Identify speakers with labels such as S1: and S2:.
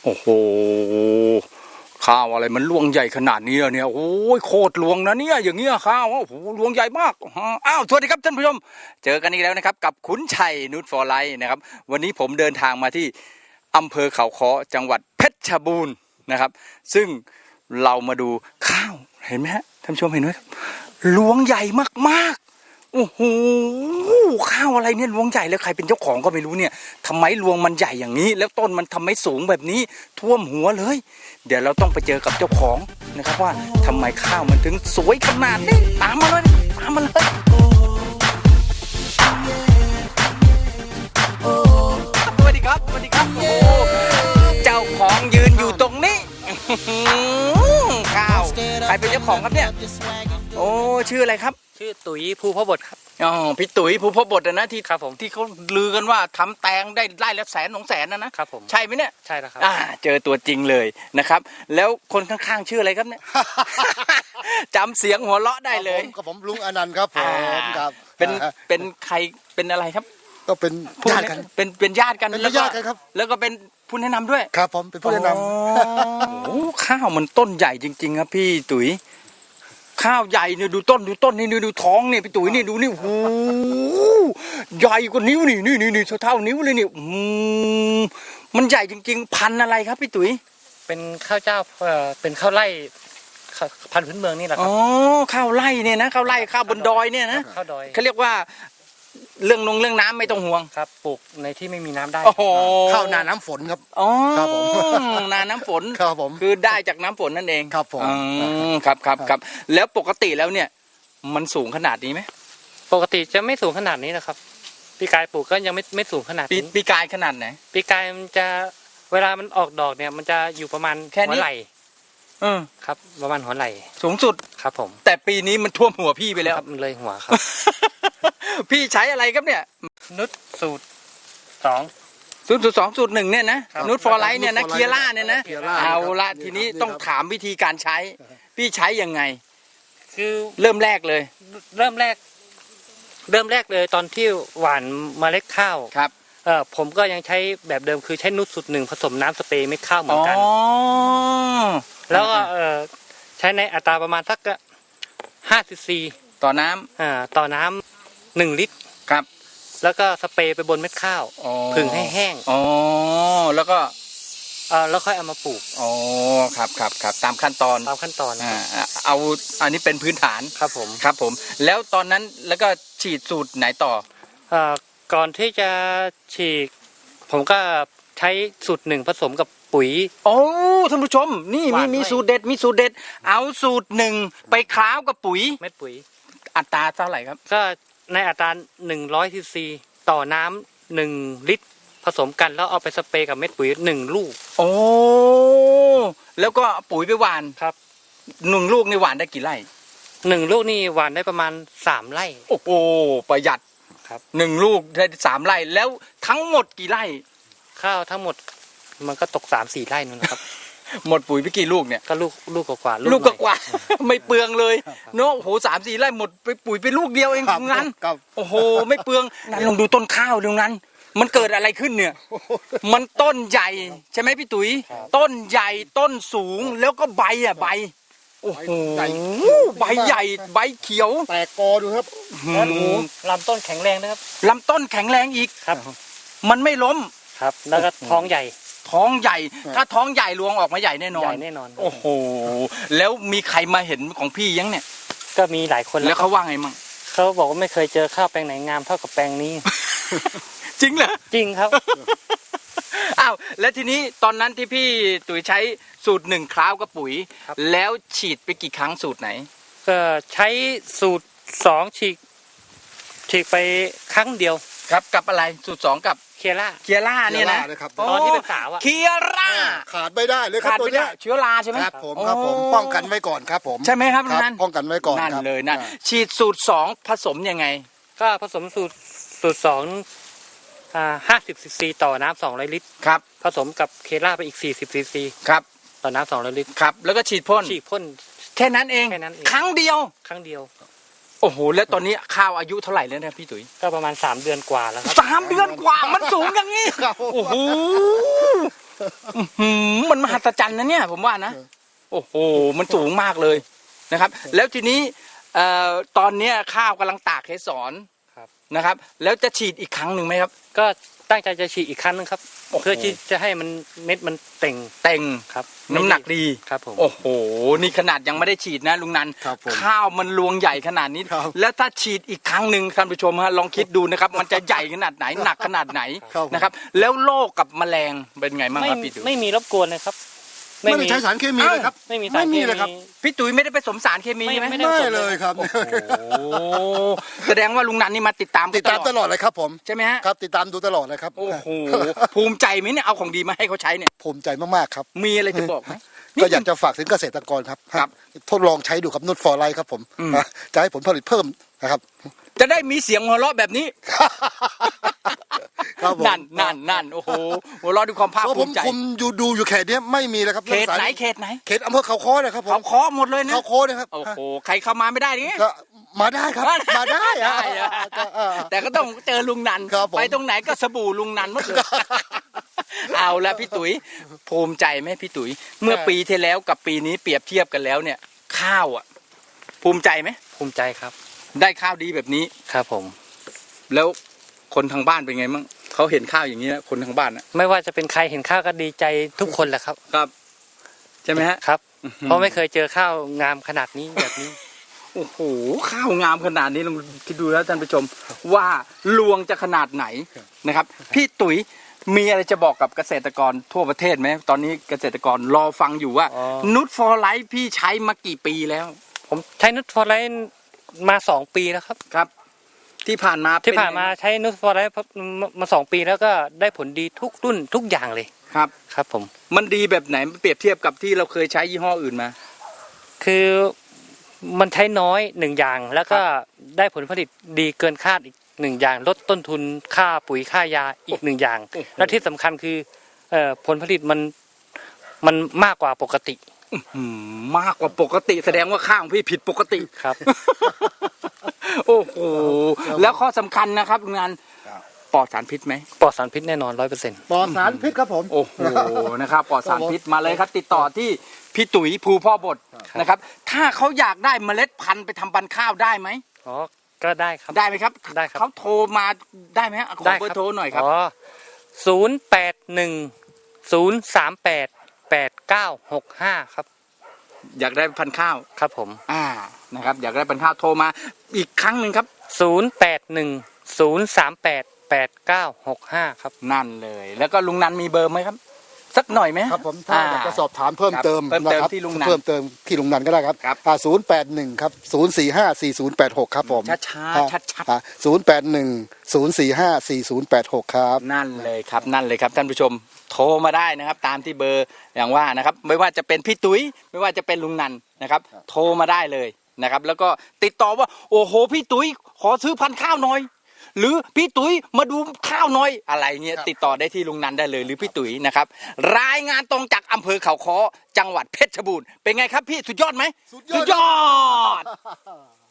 S1: โอ้โหข้าวอะไรมันรวงใหญ่ขนาดนี้เนี่ยโอ้ยโคตรรวงนะเนี่ยอย่างเงี้ยข้าวโอ้โหรวงใหญ่มากอ้าวสวัสดีครับท่านผู้ชมเจอกันอีกแล้วนะครับกับขุนชัยนูตฟอร์ไลท์นะครับวันนี้ผมเดินทางมาที่อำเภอเขาค้อจังหวัดเพชรบูรณ์นะครับซึ่งเรามาดูข้าวเห็นไหมฮะท่านผู้ชมเห็นไหมครับรวงใหญ่มากๆโอ้โหข้าวอะไรเนี่ยรวงใหญ่แล้วใครเป็นเจ้าของก็ไม่รู้เนี่ยทำไมรวงมันใหญ่อย่างนี้แล้วต้นมันทำไมสูงแบบนี้ท่วมหัวเลยเดี๋ยวเราต้องไปเจอกับเจ้าของนะครับว่าทำไมข้าวมันถึงสวยขนาดนี้ตามมาเลยตามมาเลยสวัสดีครับสวัสดีครับโอ้เจ้าของยืนอยู่ตรงนี้ข้าวใครเป็นเจ้าของครับเนี่ยโอ้ชื่ออะไรครับ
S2: ชื่อตุ๋ยภูพบดครับ
S1: อ๋อพี่ตุ๋ยภูพบดนะที่
S2: ครับผม
S1: ที่เขาลือกันว่าทำแตงได้ไร่ละ100,000-200,000นะครับ
S2: ผม
S1: ใช่ไหมเนี่ย
S2: ใช่แล้วครับ
S1: เจอตัวจริงเลยนะครับแล้วคนข้างๆชื่ออะไรครับเนี่ย จำเสียงหัวเราะได้เลย
S3: กับผมลุงอนันต์ครับผมครับ
S1: เป็นใครเป็นอะไรครับ
S3: ก็เป็นญาติกัน
S1: เป็นญาติกัน
S3: เป็นญาติกันครับ
S1: แล้วก็เป็นผู้แนะนำด้วย
S3: ครับผมเป็นผู้แนะน
S1: ำโอ้ข้าวมันต้นใหญ่จริงๆครับพี่ตุ๋ยข้าวใหญ่เนี่ยดูต้นนี่ดูท้องเนี่ยพี่ตุ๋ยนี่ดูนี่โอ้ใหญ่กว่านิ้วนี่เท่านิ้วเลยนี่มันใหญ่จริงๆพันอะไรครับพี่ตุ๋ย
S2: เป็นข้าวเจ้าเป็นข้าวไร่พันธุ์พื้นเมืองนี่แหละครับ
S1: อ๋อข้าวไร่เนี่ยนะข้าวไร่ข้าวบนดอยเนี่ยนะ
S2: ข้าวดอย
S1: เขาเรียกว่าเรื่องน้ำไม่ต้องห่วง
S2: ครับปลูกในที่ไม่มีน้ำได้
S3: ข้าวนาน้ำฝนครับ
S1: อ๋อ
S3: ครับผม
S1: นาน้ำฝน
S3: ครับผม
S1: คือได้จากน้ำฝนนั่นเอง
S3: ครับผม
S1: ครับแล้วปกติแล้วเนี่ยมันสูงขนาดนี้ไหม
S2: ปกติจะไม่สูงขนาดนี้นะครับปีกายปลูกก็ยังไม่สูงขนาดนี้
S1: ปีกายขนาดไหน
S2: ปีกายมันจะเวลามันออกดอกเนี่ยมันจะอยู่ประมาณหัวไหล่ครับประมาณหัวไหล่
S1: สูงสุด
S2: ครับผม
S1: แต่ปีนี้มันท่วมหัวพี่ไปแล้ว
S2: มันเลยหัวครับ
S1: พี่ใช้อะไรครับเนี่ย
S2: นุชสูตร
S1: 2 สูตร 1เนี่ยนะนูตฟอร์ไลท์เนี่ยนะเคียร่าเนี่ยนะเอาละทีนี้ต้องถามวิธีการใช้พี่ใช้ยังไง
S2: คือ
S1: เริ่มแรกเลย
S2: ตอนที่หว่านเมล็ดข้าว
S1: ครับ
S2: ผมก็ยังใช้แบบเดิมคือใช้นูตสูตร 1ผสมน้ำสเปรย์เม็ดข้าวเหมือนกันแล้วก็ใช้ในอัตราประมาณสัก5 cc
S1: ต่อน้
S2: ำ1 ลิตร
S1: ครับ
S2: แล้วก็สเปรย์ไปบนเม็ดข้าวผึ่งให้แห้ง
S1: แล้วก็
S2: แล้วค่อยเอามาปลูก
S1: ครับตามขั้นตอนเอาอันนี้เป็นพื้นฐาน
S2: ครับ
S1: ผมแล้วตอนนั้นแล้วก็ฉีดสูตรไหนต่อ
S2: ก่อนที่จะฉีดผมก็ใช้สูตร 1ผสมกับปุ๋ย
S1: ท่านผู้ชมนี่มีสูตรเด็ดเอาสูตร 1ไปคล้าวกับปุ๋ย
S2: เม็ดปุ๋ย
S1: อัตราเท่าไหร่ครับ
S2: ก็ในอัตรา100 cc ต่อน้ำ1 ลิตรผสมกันแล้วเอาไปสเปรย์กับเม็ดปุ๋ย1 ลูก
S1: แล้วก็ปุ๋ยไปหว่าน
S2: ครับ
S1: 1 ลูกนี่หว่านได้กี่ไร่
S2: 1 ลูกนี่หว่านได้ประมาณ3 ไร่
S1: โอ้โหประหยัด
S2: ครับ
S1: 1 ลูกได้3 ไร่แล้วทั้งหมดกี่ไร่
S2: ข้าวทั้งหมดมันก็ตก3-4 ไร่นู่นนะครับ
S1: หมดปุ๋ยไปกี่ลูกเนี่ย
S2: ก็ลูกกว่า
S1: ไม่เปลืองเลยเนาะโอ้โห3-4 ไร่หมดไปปุ๋ยไปลูกเดียวเองงั้นโอ้โหไม่เปลืองนั่นลองดูต้นข้าวตรงนั้นมันเกิดอะไรขึ้นเนี่ยมันต้นใหญ่ใช่ไหมพี่ตุ๋ยต้นใหญ่ต้นสูงแล้วก็ใบโอ้โหใบใหญ่ใบเขียว
S3: แตกกอดูครับ
S2: ลำต้นแข็งแรงนะครับ
S1: ลำต้นแข็งแรงอีก
S2: ครับ
S1: มันไม่ล้ม
S2: ครับแล้วก็ท้องใหญ่
S1: ถ้าท้องใหญ่รวงออกมาใหญ่แน่นอนโอ้โหแล้วมีใครมาเห็นของพี่ยังเนี่ย
S2: ก็มีหลายคน
S1: แล้วเขาว่าไงมั่ง
S2: เขาบอกว่าไม่เคยเจอข้าวแปลงไหนงามเท่ากับแปลงนี้
S1: จริงเหรอ
S2: จริงครับ
S1: อ้าวแล้วทีนี้ตอนนั้นที่พี่ตุ๋ยใช้สูตร 1คล้าวกับปุ๋ยแล้วฉีดไปกี่ครั้งสูตรไหน
S2: ก็ใช้สูตร2ฉีดไปครั้งเดียว
S1: ครับกับอะไรสูตร2กับ
S2: เคีย
S1: ร่าเนี่ยนะ
S2: ตอนที่เป็นสาว
S1: เคียร่า
S3: ขาดไม่ได้เลยครับตัวนี้
S1: เชื้อราใช่ไหม
S3: ครับผมป้องกันไว้ก่อนครับผม
S1: ใช่ไหมครับนั่น
S3: ป้องกันไว้ก่อน
S1: นั่นเลยนะฉีดสูตร2ผสมยังไง
S2: ก็ผสมสูตร2 50 cc ต่อน้ำ200 ลิตร
S1: ครับ
S2: ผสมกับเคียร่าไปอีก40 cc
S1: ครับ
S2: ต่อน้ำ200 ลิตร
S1: ครับแล้วก็ฉีดพ่นแค่นั้นเองครั้งเดียวโอ้โหแล้วตอนนี้ข้าวอายุเท่าไหร่แล้วนะพี่ตุ๋ย
S2: ก็ประมาณ3 เดือนกว่าแล้วครับ
S1: 3 เดือนกว่ามันสูงอย่างนี้โอ้โหมันมหัศจรรย์นะเนี่ยผมว่านะโอ้โหมันสูงมากเลยนะครับ แล้วทีนี้ตอนเนี้ยข้าวกำลังตากเกสรนะครับ แล้วจะฉีดอีกครั้งหนึ่งไหมครับ
S2: ก็ตั้งใจจะฉีดอีกครั้งนึงครับ
S1: โอ้โห
S2: เพื่อที่จะให้มันเม็ดมันเต่ง
S1: เต็ง
S2: ครับ
S1: น้ำหนักดี
S2: ครับผม
S1: โอ้โหนี่ขนาดยังไม่ได้ฉีดนะลุงนัน
S3: ครับผม
S1: ข้าวมันรวงใหญ่ขนาดนี้
S3: ครับ
S1: แล้วถ้าฉีดอีกครั้งหนึ่งท่านผู้ชมฮะลองคิดดูนะครับ มันจะใหญ่ขนาดไหนหนักขนาดไหน
S3: ครับผม
S1: นะครับ แล้วโรคกับแมลงเป็นไงบ้าง
S2: ไม่
S1: ครับพี่ตุ๋ย
S2: ไม่มีรบกวนเลยครับ
S3: ไม่ได้ใช้สารเคมีเลยครับ
S2: ไม่มี
S3: ไม่มีเลยครับ
S1: พี่ตุ๋ยไม่ได้ไปผสมสารเคมีใช่ไหม
S2: ไม่ได้
S3: ไม่เลยครับ
S1: โอ้โหแสดงว่าลุงนันนี่มาติดตาม
S3: ติดตามตลอดเลยครับผม
S1: ใช่ไหมฮะ
S3: ครับติดตามดูตลอดเลยครับ
S1: โอ้โหภูมิใจไหมเนี่ยเอาของดีมาให้เขาใช้เนี่ย
S3: ภูมิใจมากๆครับ
S1: มีอะไรจะบอกไหม
S3: ก็อยากจะฝากถึงเกษตรกรครับ
S1: ครับ
S3: ทดลองใช้ดูครับนุชฟอร์ไลท์ครับผม
S1: อืม
S3: นะจะให้ผลผลิตเพิ่มนะครับ
S1: จะได้มีเสียงหัวเราะแบบนี้
S3: ครับผม
S1: นั่นโอ้โหหัวเราะด้วยความภาค
S3: เพราะผ
S1: ภู
S3: ม
S1: มิใจ
S3: คุมดูอยู่เขตเนี้ยไม่มีเลยครับ
S1: เขตไหน
S3: รื่องสาร
S1: เขตไหน
S3: เขตอำเภอเขาค้อนะครับผม
S1: เขาเคาะหมดเลยนะ
S3: เขาค้อนะครับ
S1: โอ้โหใครเข้ามาไม่ได้นี่
S3: ก็มาได้ครับ มาได้อะ
S1: ได้อะ แต่ก็ต้องเจอลุงนัน
S3: ครับผม
S1: ไปตรงไหนก็สบู่ลุงนันหมดเลยเอาละพี่ตุ๋ยภูมิใจไหมพี่ตุ๋ยเมื่อปีที่แล้วกับปีนี้เปรียบเทียบกันแล้วเนี่ย ข้าวอ่ะ ภูมิใจไหม
S2: ภูมิใจครับ
S1: ได้ข้าวดีแบบนี้
S2: ครับผม
S1: แล้วคนทางบ้านเป็นไงมั่งเขาเห็นข้าวอย่างนี้นะคนทางบ้านนะ
S2: ไม่ว่าจะเป็นใครเห็นข้าวก็ดีใจทุกคนแหละครับ
S1: ครับใช่ไหมฮะ
S2: ครับ เพราะไม่เคยเจอข้าวงามขนาดนี้แบบนี้
S1: โอ้โหข้าวงามขนาดนี้ลองคิดดูแล้วท่านผู้ชมว่าลวงจะขนาดไหนนะครับ พี่ตุ๋ยมีอะไรจะบอกกับเกษตรกรทั่วประเทศไหมตอนนี้เกษตรกรรอฟังอยู่ว่า
S2: อ๋อ
S1: นุชฟอร์ไลท์พี่ใช้มากี่ปีแล้ว
S2: ผมใช้นุชฟอร์ไลท์มา2 ปีแล้วครับ
S1: ครับ ที่ผ่านมา
S2: ที่ผ่านมา
S1: เป็ไง
S2: ใช้นุชฟอร์ไลท์มา2 ปีแล้วก็ได้ผลดีทุกรุ่นทุกอย่างเลย
S1: ครับ
S2: ครับผม
S1: มันดีแบบไหนเปรียบเทียบกับที่เราเคยใช้ยี่ห้ออื่นมา
S2: คือมันใช้น้อย1อย่าง แล้วก็ได้ผลผลิตดีเกินคาดอีก1อย่าง ลดต้นทุนค่าปุ๋ยค่ายาอีก1อย่าง
S1: โอ้โห
S2: และที่สำคัญคือผลผลิตมันมากกว่าปกติ
S1: มากกว่าปกติแสดงว่าข้าวของพี่ผิดปกติ
S2: ครับ
S1: โอ้โหแล้วข้อสำคัญนะครับงานปลอดสารพิษไหม
S2: ปลอดสารพิษแน่นอน100%
S3: ปลอดสารพิษครับผม
S1: โอ้โหนะครับปลอดสารพิษมาเลยครับ ติดต่อที่พี่ตุ๋ยภูพ่อบดนะครับ ถ้าเขาอยากได้เมล็ดพันธุ์ไปทำพันธุ์ข้าวได้ไหม
S2: อ๋อก็ได้ครับ
S1: ได้ไหมครับ
S2: ได้ครับ
S1: เขาโทรมาได้ไหมฮะขอ
S2: ได้
S1: เบอร์โทรหน่อยครับ
S2: อ๋อ081 038 8965ครับ
S1: อยากได้พันธุ์ข้าว
S2: ครับผม
S1: นะครับ อยากได้พันธุ์ข้าวโทรมาอีกครั้งหนึ่งครับ
S2: 081 038 8965ครับ
S1: นั่นเลย แล้วก็ลุงนันมีเบอร์ไหมครับ สักหน่อยไหม
S3: ครับผมถ้าอยากจะสอบถามเพิ่มเติม
S1: ครับเพิ่มเติม
S3: นะครับ
S1: ที่ลุงนัน
S3: เพิ่มเติมที่ลุงนันก็ได้ครับ
S1: ครับ
S3: 081ครับ0454086ครับผม
S1: ช้าๆชัด
S3: 081 0454086ครับ
S1: นั่นเลยครับนั่นเลยครับท่านผู้ชมโทรมาได้นะครับ ตามที่เบอร์อย่างว่านะครับ ไม่ว่าจะเป็นพี่ตุ๋ยไม่ว่าจะเป็นลุงนันนะครับ โทรมาได้เลยนะครับ แล้วก็ติดต่อว่าโอ้โหพี่ตุ๋ยขอซื้อพันธุ์ข้าวหน่อย หรือพี่ตุ๋ยมาดูข้าวหน่อยอะไรเงี้ย
S3: ครับ
S1: ติดต่อได้ที่ลุงนันได้เลยหรือพี่ตุ๋ยนะครับ รายงานตรงจากอำเภอเขาค้อจังหวัดเพชรบูรณ์เป็นไงครับพี่สุดยอดไหม
S3: สุดยอด
S1: สุดยอด